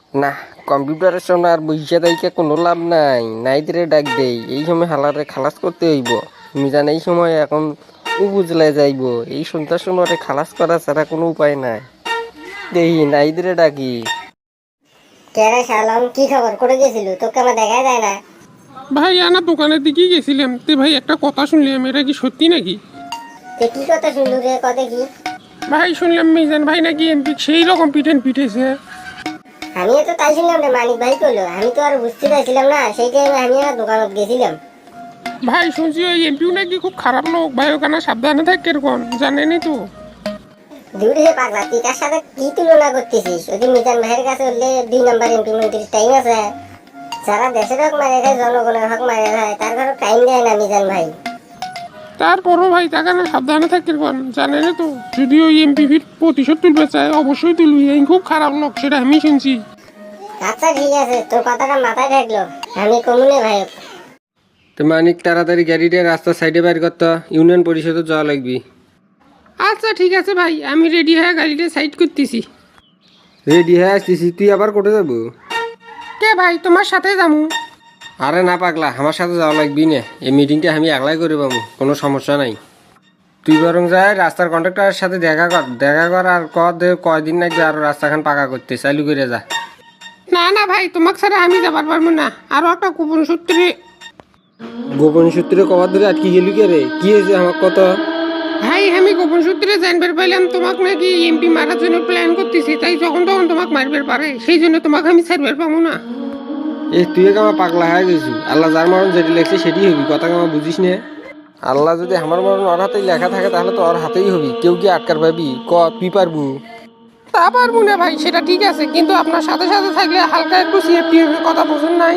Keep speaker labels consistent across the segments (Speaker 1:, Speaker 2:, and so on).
Speaker 1: না, কম্পিউটারের সামনে আর বইসা দাইকে কোনো লাভ নাই। নাইদরে ডাক দেই, এই সময় হালারে খালাস করতে হইব। মিজান এই সময় এখন উপজেলে যাইব, এই সন্ধ্যার সময় খালাস করা ছাড়া কোনো উপায় নাই। দেখি নাইদরে ডাকি।
Speaker 2: কেরে শালম, কি খবর? করে গেছিল, তোকে আমার দেখা যায় না।
Speaker 3: ভাই আনা দোকানের দিকেই গেছিলাম, তে ভাই একটা কথা শুনলাম, এটা কি সত্যি নাকি?
Speaker 2: তে কি কথা শুনলু রে? কথা কি?
Speaker 3: ভাই শুনলাম মিজান ভাই নাকি এমপি সেই রকম পিটেছে।
Speaker 2: আমিও তো তাই শুনলাম রে, মানিক ভাই কইলো। আমি তো আর বুঝতে পারছিলাম না, সেই টাইমে আমি আর দোকানত গেছিলাম।
Speaker 3: ভাই শুনছি ওই এমপিও নাকি খুব খারাপ লোক, ভাই ওখানে সাবধানে থাক এরকম, জানেনি তো।
Speaker 2: দূরে হে পাগলা, তুই তার সাথে কি তুলনা করতেছিস? ওই যে মিজান ভাইয়ের কাছে উঠলে 2 নাম্বার এমপি মন্ত্রীর টাইম আছে। যারা দেশের হক মারে খায়, জনগণের হক মারে খায়, তার ঘরে টাইম দেয় না মিজান ভাই।
Speaker 3: তারপরও ভাই তাকে না সাবধানে থাক এরকম, জানেনি তো। যদি ওই এমপি ফির প্রতিশোধ তুলবে চায় অবশ্যই তুলবি, এই খুব খারাপ লোক, সেটা আমি শুনছি।
Speaker 2: আচ্ছা ঠিক আছে, তোর কথাটা মাথায় থাকলো, আমি কমুনে ভাই।
Speaker 1: তো মানিক তাড়াতাড়ি গাড়িটা রাস্তার সাইডে বাইর করতে, ইউনিয়ন পরিষদে যাওয়া লাগবি।
Speaker 3: আচ্ছা ঠিক আছে ভাই, আমি রেডি হয়ে গাড়িটা সাইড করতেছি।
Speaker 1: রেডি হয়ে আসতেছি, তুই আবার কোটে যাবো?
Speaker 3: কে ভাই, তোমার সাথে যাবো?
Speaker 1: আরে না পাগলা, আমার সাথে যাওয়া লাগবি না। এই মিটিংটা আমি একলাই করে পাবো, কোনো সমস্যা নাই। তুই বরং যাই রাস্তার কন্ট্রাক্টরের সাথে দেখা কর আর কয়দিন লাগবে আরো রাস্তাখান পাকা করতে, চালু করে যা।
Speaker 3: না না ভাই, তোমাকে ছাড়া আমি যাবার পারবো না। আরো একটা গোপন সূত্রে।
Speaker 1: গোপন সূত্রে কবার ধরে আটকে গেলি কে রে? কি হয়েছে আমার কত?
Speaker 3: ভাই আমি গোপন সূত্রে জানবার পাইলাম তোমাকে নাকি এমপি মারার জন্য প্ল্যান করতেছি, তাই যখন তখন তোমাকে মারবার পারে, সেই জন্য তোমাকে আমি ছাড়বার পাবো না।
Speaker 1: তুই আমার পাগলা হয়ে গেছু। আল্লাহ যার মরণ যেটি লেখছে সেটি হবি, কথা আমার বুঝিস না? আল্লাহ যদি আমার মরণ ওর হাতেই লেখা থাকে তাহলে তো ওর হাতেই হবি, কেউ কি আটকার পাবি? তুই পারবু?
Speaker 3: তা পারবো না ভাই, সেটা ঠিক আছে, কিন্তু আপনার সাথে সাথে থাকলে হালকা একটু সেফটি হবে, কথা বুঝুন নাই?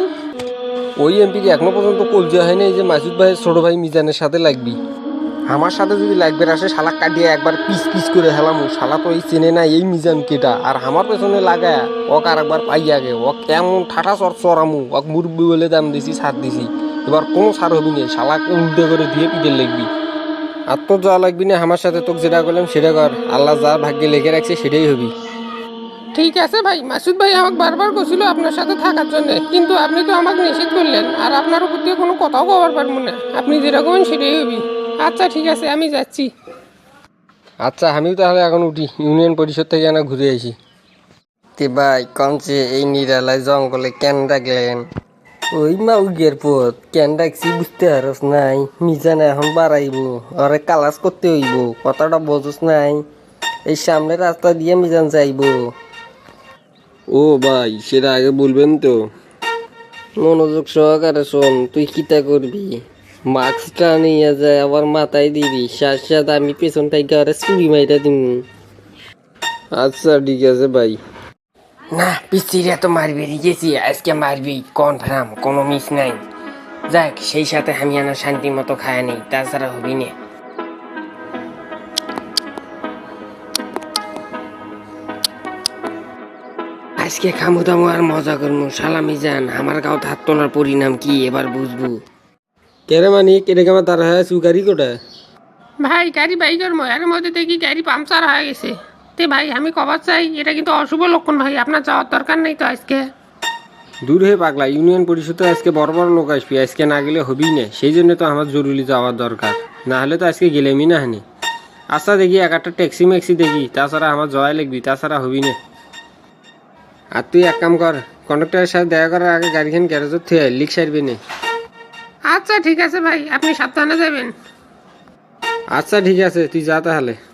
Speaker 1: ওই এমপিকে এখনো পর্যন্ত কলজিয়া হয় না, এই যে মাসুদ ভাইয়ের ছোট ভাই মিজানের সাথে লাগবি। আমার সাথে যদি লাগবে আসে, শালা কাটিয়ে একবার পিস পিস করে হেলামু। শালা তো এই চেনে না এই মিজান কেটা, আর আমার পেছনে লাগায় ওক আর একবার পাই আগে ওক কেমন ঠাঠা চড়ামু। ওক মুরব্বী বলে দাম দিছি, ছাড় দিছি, এবার কোনো ছাড় হবি না। শালাকে উল্টে করে দিয়ে পিঠে লাগবি। আর তোর যা লাগবি না আমার সাথে, তোকে যেটা করলাম সেটা কর। আল্লাহ যা ভাগ্যে লেগে রাখছে সেটাই হবি।
Speaker 3: ঠিক আছে ভাই, মাসুদ ভাই আমাকে বারবার বলছিল আপনার সাথে থাকার জন্য, কিন্তু আপনি তো আমাকে নিষেধ করলেন, আর আপনার উপর দিয়ে কোনো কথাও কবার পারবো না। আপনি যেরকম সেটাই হবি। আচ্ছা ঠিক আছে, আমি যাচ্ছি।
Speaker 1: আচ্ছা আমিও তাহলে এখন উঠি, ইউনিয়ন পরিষদ থেকে না ঘুরে আসি। তে ভাই কমছে এই নিরালায় জঙ্গলে কেন ডাকলেন? ওই মাউগের পথ কেন ডাকছি বুঝতে পারস নাই? মিজানে এখন বাড়াইব, আরে কালাস করতে হইব, কথাটা বোঝস নাই? এই সামনে রাস্তা দিয়ে মিজান যাইব। ও ভাই সেটা আগে বলবেন তো। মনোযোগ সহকারে শোন, তুই কিতা করবি? মাস্কটা নিয়ে যায় আবার মাথায় দিবি, সাথে আমি পেছন থেকে আরে চুরি মাইটা দিব। আচ্ছা ঠিক আছে ভাই। না পিছিয়ে তো মারবি গেছি, আজকে মারবি কনফার্ম, কোনো মিস নাই। যাক সেই সাথে আমি আনা শান্তি মতো খায় নেই, তাছাড়া হবি না। আজকে খামু দামু আর মজা করমু। সালামি যান, আমার গাঁও হাত তোলার পরিণাম কি এবার বুঝবো। কেরে মানি কেটে আমার তার হয়ে সুগারি কোটা?
Speaker 3: ভাই গাড়ি বাইকের ময়ার মধ্যে দেখি গাড়ি পাংচার হয়ে গেছে। তে ভাই আমি কবার চাই, এটা কিন্তু অশুভ লক্ষণ ভাই, আপনার যাওয়ার দরকার নেই তো আজকে।
Speaker 1: দূর হয়ে পাগলা, ইউনিয়ন পরিষদে আজকে বড় বড় লোক আসবি, আজকে না গেলে হবেই না। সেই জন্য তো আমার জরুরি যাওয়ার দরকার, না হলে তো আজকে গেলেমই না হানি। আচ্ছা দেখি একটা ট্যাক্সি ম্যাক্সি দেখি, তাছাড়া আমার জয় লাগবি, তাছাড়া হবি না। আর তুই এক কাম কর, কন্ডাক্টরের সাথে দেখা করার আগে গাড়িখান গ্যারেজত থেকে লিক সারবি না।
Speaker 3: আচ্ছা ঠিক আছে ভাই, আপনি সাবধানে যাবেন।
Speaker 1: আচ্ছা ঠিক আছে, তুই যা তাহলে।